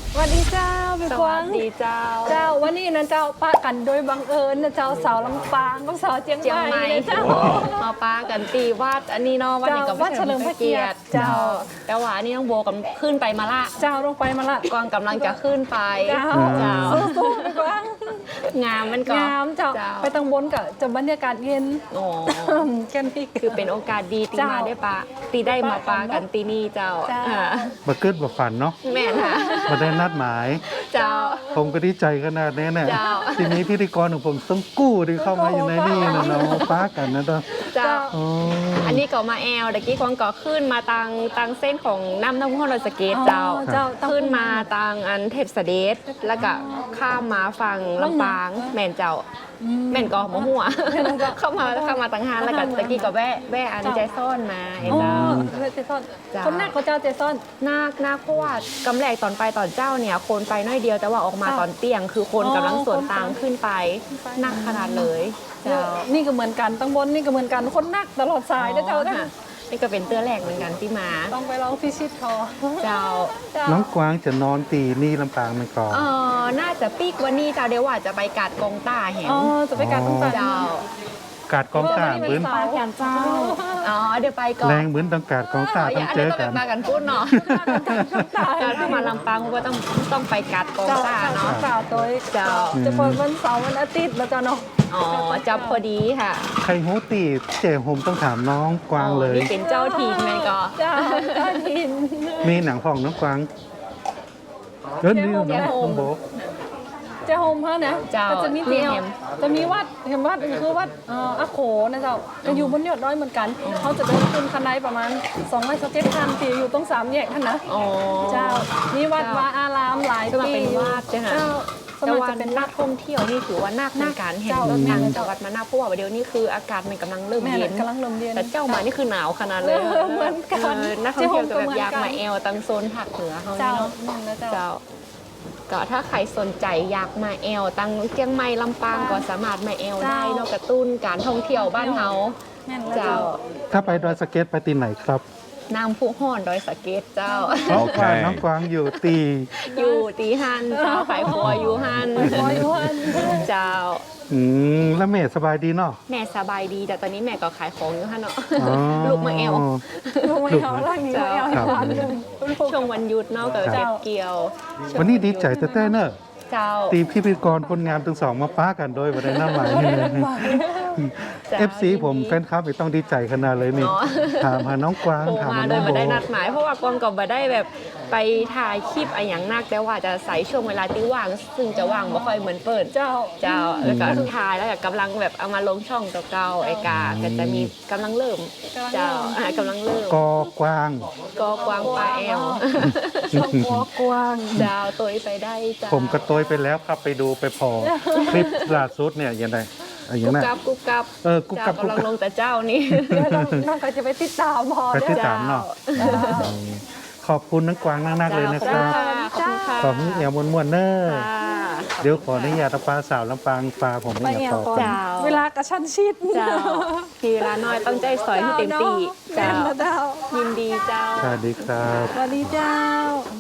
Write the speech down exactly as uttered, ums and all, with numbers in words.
สวัสดีเจ้าพี่กวางสวัสดีเจ้าเจ้าวันนี้นะเจ้าป้ากันโดยบังเอิญนะเจ้าสาวลำปางกับสาวเจียงเจียงใหใหม่ม่นะเจ้ามาปากันตีวัดอันนี้เนาะวัดนี้ก็วัดเฉลิมพระเกียรติเจ้าแต่ว่าอันนี้น้องโบกำขึ้นไปมาละเจ้าลงไปมาละกวางกำลังจะขึ้นไปเจ้าเจ้าสู้ๆพี่กวางงามมันก็งามเจ้าเจ้าไปตังบนกับจะบรรยากาศเย็นโอ้แค่นี้คือเป็นโอกาสดีตีเจ้ามาได้ปะตีได้มาปากันตีนี่เจ้าเจ้าอ่ามาเกิดมาฝันเนาะแม่ค่ะมาได้นัดหมายเจ้าผมก็ดีใจขนาดนี้เนี่ยเจ้าทีนี้พิธีกรของผมต้องกู้ที่เข้ามาอยู่ในนี่นะเนาะมาป้ากันนะเนาะเจ้าอ๋ออันนี้ก็มาแอลตะกี้กวางก็ขึ้นมาตังตังเส้นของน้ำน้ำห้องรอยสเกตเจ้าอ๋อเจ้าต้องขึ้นมาตังอันเทพเสด็จแล้วก็ข้ามมาฝั่งลำปางแม่นเจ้าแม่นก็หมหัว เข้ามาเข้ามาตังหานแล้วก็ตะกี้ก็แวะแวะอันใจซ่อนมาไอ้อ๋อเจ้าเจซอนเจ้าคนแรกก็เจ้าเจซอนนาคนาคเพราะว่ากำแรกตอนไปตอนเจ้าเนี่ยคนไปน้อยเดียวแต่ว่าออกมาเจ้าตอนเตียง คือคนอ๋อกำลังสวนคนไปตางขึ้นไปนักขนาดเลยเจ้านี่ก็เหมือนกันตังบนนี่ก็เหมือนกันคนนักตลอดสายนะเจ้าค่ะนี่ก็เป็นเตื้อแรกเหมือนกันที่มาต้องไปลองพิชิตคอเจ้าเจ้าน้องกวางจะนอนตีนี่ลำปางมันก่อนเออน่าจะปีกวันนี้เจ้าเดี๋ยวว่าจะไปกัดกองต้าแหมอ๋อจะไปการต้องตัดเจ้ากาดกองตาเหมือนสาวแขนเจ้าอ๋อเดี๋ยวไปก่อนแรงเหมือนต้องกาดกองตาอ๋อต้องเจอต้กัอน งไปกันพูดเนาะเจ้าถ้ามาลำปางก็ต้องต้องไปกัดกองเจ้าต้าเนาะสาวตัวเจ้าจะเปิดวันเสาร์วันอาทิตย์แล้วเจ้าเนาะอ๋อจับพอดีค่ะใครหูตีเจ๋ผมต้องถามน้องกวางเลยนี่เป็นเจ้าทีมแมนก็เจ้าเจ้าทินมีหนังของน้องกวางเดินนี่น้องน้องโบกเจ้าโฮมเขานะเจ้าก็จะมีเตียวเห็นจะมีวัดเห็นวัดคือวัดเอ่ออาโขนะเจ้าจะอยู่บนยอดดอยเหมือนกันเขาจะเดินขึ้นคันไดประมาณสองร้อยสิบเจ็ดคันที่อยู่ตรงสามแยกท่านนะอ๋อเจ้ามีวัดวาอารามหลายสมัครปีเป็นวัดใช่ไหมเจ้าสแต่มัครว่าจะเป็นนันักกท่องเที่ยวนี่ถือว่านักเหมือนกันเห็นเจ้ารถทางเจ้าจังหวัดมานักเพราะว่าเดี๋ยวนี้คืออากาศมันกำลังเริ่มแม่เย็นกำลังเริ่มเย็นแต่เจ้ามานี่คือหนาวขนาดเลยเออเหมือนกันเออนักท่องเที่ยวจะแบบอยากเจ้ามาแอลตังโซนภาคเหนือเขาเจ้านี่เนาะนั่นนะเจ้าเจ้าก็ถ้าใครสนใจอยากมาแอลตังเชียงใหม่ลำปางก็สามารถมาแอลได้เนอกกระตุ้นการท่องเที่ยวบ้านเฮาแม่นแล้วเจ้าเจ้าถ้าไปดอยสะเก็ตไปตีไหนครับน้ำพุห้อนดอยสะเก็ดเจ้าน้องกวางน้องกวางอยู่ตีอยู่ตีหันเจ้าขายครัวอยู่หันคอยวันเจ้าอืมแล้วแม่สบายดีเนาะแม่สบายดีแต่ตอนนี้แม่ก็ขายของอยู่หันเนาะอ๋อลูกมาแอลลงมาเอาล่างนี้มาเอาครับวันหนึ่งช่วงวันหยุดเนาะก็ครับเก็บเกี่ยววันนี้ดีใจแต่แต่เนอะเจ้าตีพิธีกรคนงามทั้งสองมาป้ากันโดยวันได้น้ำหมายนี่เลยจ้าเอฟซีผมแฟนคลับไม่ต้องดีใจขนาดเลยนี่เนาะถามหาน้องกวางโทรถามมาหาโดน้อย งมาโบได้นัดหมาย เพราะว่ากวางก็บ่ได้แบบไปถ่ายคลิปอะไรอย่างนักแต่ว่าจะใส่ช่วงเวลาที่ว่าง ซึ่งจะว่างบ่ค่อยเหมือนเปิดเจ้าเจ้าแล้วก็ถ่ายแล้วก็กำลังแบบเอามาลงช่องเก่าๆไอ้กาก็จะมีกำลังเริ่มเจ้าอ่ากำลังเริ่มกอกวางก็กวางปลาแอลช่องหัวกวางเจ้าตัวไปได้เจ้าผมก็โตยไปแล้วครับไปดูไปพอ คลิปล่าสุดเนี่ยยังไงอะไรอย่างกุ๊บนั้นกับกุ๊บกับเออกุ๊บกับเจ้ากำลังกุ๊บกับลงแต่เจ้านี่แล้วน้องน้องก็จะไปติดตามพอไปติดเด้อตามเนาะ ขอบคุณน้องกวางนักๆเลยนะคจ้ารับขอบคุณค่ะขอบคุณเอวมวนๆเนอร์จ้าเดี๋ยวขออนุญาตปลาสาวลำปางปลาผมไปไม่อยากแอขวอก่อนเจ้าเวลากระชั้นชิดเจ้ามีเวลาน้อยต้องใจสอยให้เต็มที่เจ้าเจ้าเนาะแม่นแล้วเจ้ายินดีเจ้าสวัสดีครับสวัสดีเจ้า